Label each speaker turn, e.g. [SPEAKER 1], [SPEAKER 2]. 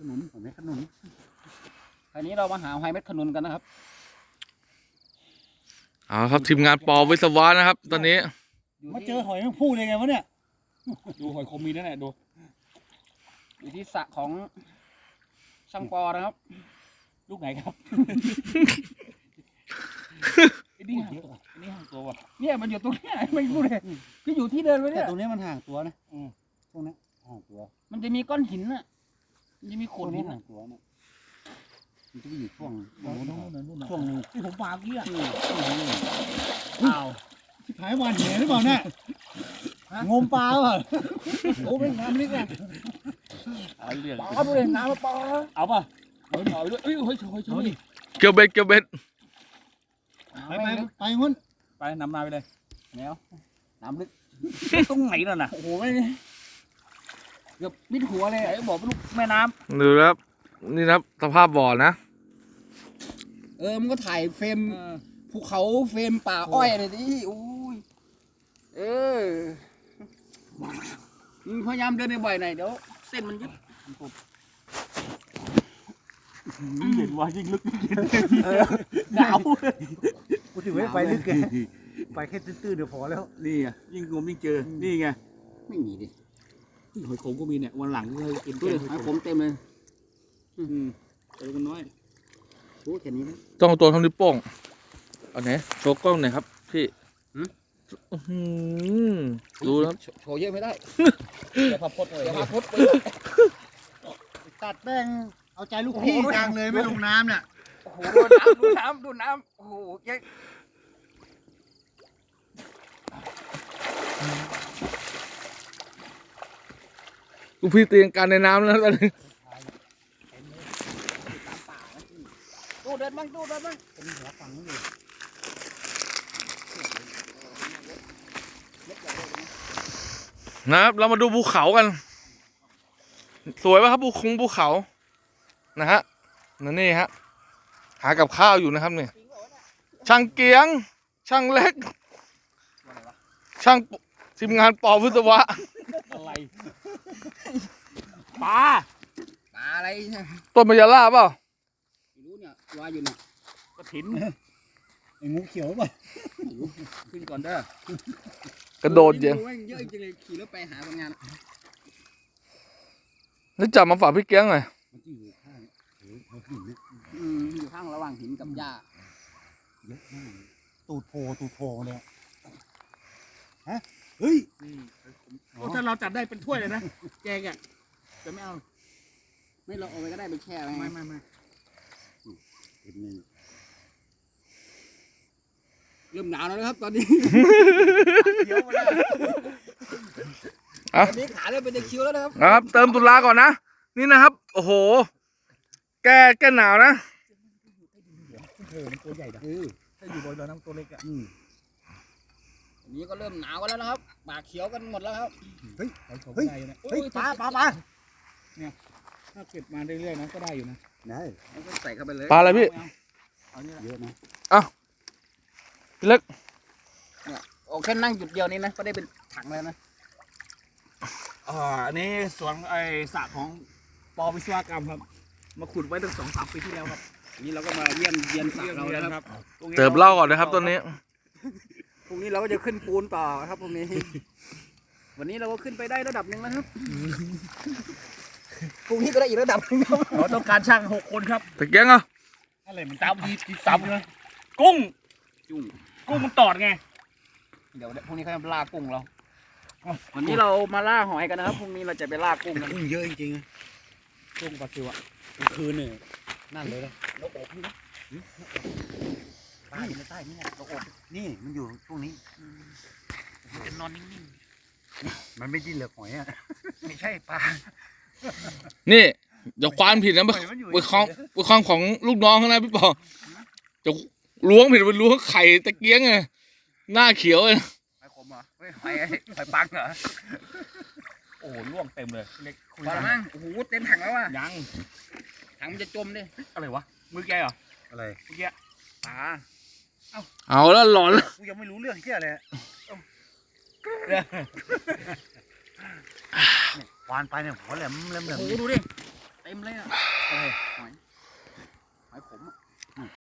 [SPEAKER 1] นุนหอยเม็ดขนุน
[SPEAKER 2] คราวนี้เรามาหาหอยเม็ดขนุนกันนะครับ
[SPEAKER 3] เอาครับทีมงานปอวิศวะนะครับ ตอนนี้
[SPEAKER 1] มาเจอหอยแมงผู้เลยไงวะเนี่ย
[SPEAKER 2] ดูหอยคมมีนั่นแหละดูอยู่ที่สระของช่างปอนะครับลูกไหนครับไอ้นี่ห่างตัวไอ้นี่ห่างตัวว่ะเนี่ยมันอยู่ตรงนี้ไม่รู้เลยก็อยู่ที่เดินไว้เนี่ย
[SPEAKER 1] ตรงนี้มันห่างตัวนะตรงนี้ห่างตัว
[SPEAKER 2] มันจะมีก้อนหินน่ะมันจะมีโขดหิน
[SPEAKER 1] ห่างตัวนะมันจะอยู่ช่วง
[SPEAKER 2] ช่วงที่ผมวางเนี่ย
[SPEAKER 1] อ้าวที่ผายวันเหนหรือเปล่าเนี่ยงมปลาเปล่าโอ้เป็นน้ำนี่ไง
[SPEAKER 2] เอาเรื่องเอาเลยน้ำมาปลาเอาป่ะเอาไปด้วยเฮ้ย
[SPEAKER 3] เกี่ยวเบ็ด
[SPEAKER 1] ไปงุ้น
[SPEAKER 2] ไปนำนาไปเลยแนวน้ำลึกตรงไหนน่ะโอ้โหไม่เกือบมิดหัวเลยไอ้บอกลูกแม่น้
[SPEAKER 3] ำดูครับนี่ครับสภาพบ่อนะ
[SPEAKER 2] มันก็ถ่ายเฟรมภูเขาเฟรมป่าอ้อยเลยดิอุ้ยพยายามเดินในบ่อยหน่อยเดี๋ยวเส้นมันยึด
[SPEAKER 1] เห็นว่ายิ่งลึกยิ่ง
[SPEAKER 2] หนาว
[SPEAKER 1] กูถือไว้ไปลึกแกไปแค่ตื้นๆเดี๋ยวพอแล้ว
[SPEAKER 2] นี่ไงยิ่งงมยิ่งเจอนี่ไงไม่มีดิหอยขมก็มีเนี่ยวันหลังก็เลยกินด้วยหอยขมเต็มเลยเจอกันน้อยโอ้แค่นี้นะ
[SPEAKER 3] ต้องตัวทำนิ้วโป้งเอาไหนโชว์กล้องหน่อยครับพี่ดูครับ
[SPEAKER 2] โชว์เยอะไม่ได้เดี๋ยวพับพดเลย
[SPEAKER 1] ตัดแป้งเอาใจลูกพี่จังเลยไม่ลงน้ำเนี่ย
[SPEAKER 2] โอ้โหดูน้ำโอ้โหเยอะ
[SPEAKER 3] ลูกพี่เตียงการในน้ำแล้วตอนนี้
[SPEAKER 2] ดูเดินบ้าง
[SPEAKER 1] เป็นหัวฝังอยู่
[SPEAKER 3] นะครับเรามาดูภูเขากันสวยป่ะครับภูเขานะฮะนี่ฮะหากับข้าวอยู่นะครับเนี่ยช่างเกียงช่างเล็กช่างทีมงานปอวิศวะ
[SPEAKER 2] อะไรปลาอะไร
[SPEAKER 3] ต้นมะยาล่าเปล่า
[SPEAKER 2] ไม่รู้เนี่ยว่าอยู่เนี่ยกระถิน
[SPEAKER 1] ไอ้งูเขียวป่ะ
[SPEAKER 2] ขึ้นก่อนเด้อก
[SPEAKER 3] ระโดดเยอะ
[SPEAKER 2] เยอะจริงเลยขี่รถไปหาคนงาน
[SPEAKER 3] นี่จับมาฝากพี่เกียงหน่อย
[SPEAKER 1] มันอยู่ข้างหินนะ
[SPEAKER 2] อยู่ข้างระหว่างหินกับหญ้า
[SPEAKER 1] เยอะมากตูดโผล่เลยฮะเฮ้ย
[SPEAKER 2] ถ้าเราจับได้เป็นถ้วยเลยนะแกงอ่ะจะไม่เอาไม่เราเอาไปก็ได้ไปแช่ไม่เริ่มหนาวแล้วนะครับตอนนี้เขียวมาแล้วตอนนี้ขาเริ่มเป็นตะคิวแล้ว
[SPEAKER 3] นะครับเติมตุลาก่อนนะนี่นะครับโอ้โหแก้หนาวนะ
[SPEAKER 1] มันตัวใหญ่นะถ้าอยู่บนน้ำตัวเล็กอ่ะ
[SPEAKER 2] อันนี้ก็เริ่มหนาวกันแล้วนะครับปากเขียวกันหมดแล้วครับ
[SPEAKER 1] เฮ้ยปลา
[SPEAKER 2] เนี่ยถ้าเก็บมาเรื่อยๆนะก็ได้อยู่นะ
[SPEAKER 1] ได้
[SPEAKER 2] ก็ใส่เข้าไปเลย
[SPEAKER 3] ปลาอะไรพี่
[SPEAKER 1] เยอะนะ
[SPEAKER 3] พี่เล็ก
[SPEAKER 2] เนี่ยโอ้แค่นั่งจุดเดียวนี้นะก็ได้เป็นถังแล้วนะ
[SPEAKER 4] อันนี้สวนไอสระของปอวิศวกรรมครับมาขุดไว้ตั้ง2-3 ปีที่แล้วครับ
[SPEAKER 2] นี่เราก็มาเยี่ยมสระเราแล้วครับ
[SPEAKER 3] เติมเหล้าก่อนนะครับตอนนี้
[SPEAKER 2] พรุ่งนี้เราก็จะขึ้นปูนต่อครับพรุ่งนี้วันนี้เราก็ขึ้นไปได้ระดับหนึ่งนะครับพรุ่งนี้ก็ได้อีกระดับนึงครับ
[SPEAKER 4] เราต้องการช่าง6 คนครับ
[SPEAKER 3] ตะเกียงอ่ะ
[SPEAKER 4] อะไรมันซ้ำเลยกุ้งมันตอดไง
[SPEAKER 2] เดี๋ยวพรุ่งนี้เขาจะล่ากุ้งเราวันนี้เรามาล่าหอยกันนะครับพรุ่งนี้เราจะไปล่ากุ้งกัน
[SPEAKER 1] กุ้งเยอะจริงๆกุ้งปลาซิวอ่ะกลางคืนเนี่ยนั่นเลยนะ
[SPEAKER 2] นกอบนี่นะ
[SPEAKER 1] ใต้นี่ไงนกอบนี่มันอยู่ตรงนี้
[SPEAKER 2] จะนอนนิ่ง
[SPEAKER 1] ๆมันไม่ดิ้นเหลือหอยอ่ะ
[SPEAKER 2] ไม่ใช่ปลา
[SPEAKER 3] นี่อย่าควานผิดนะไปคล้องของลูกน้องข้างในพี่ปอจะล้วงผิดไปล้วงไข่ตะเกียงไงหน้าเขียวเลย
[SPEAKER 2] ไข่ขมเหรอไข่ปังเหรอ
[SPEAKER 4] โอ้โหล่วงเต็มเลยเล็ก
[SPEAKER 2] คุยกันมั้งโอ้โหเต็มถังแล้วว่ะ
[SPEAKER 4] ยัง
[SPEAKER 2] ถังมันจะจมดิ
[SPEAKER 4] อะไรวะมือแกเหรอ
[SPEAKER 1] อะไร
[SPEAKER 4] เมื่อกี้
[SPEAKER 2] ปลา
[SPEAKER 3] เอาแล้วหลอนแล้ว
[SPEAKER 1] กูยังไม่รู้เรื่องเกี่ยอะไรวานไปเนี่ยหัวแหลม
[SPEAKER 2] โอ้โหดูดิเต็มเลยอ่ะหอยขมอ่ะ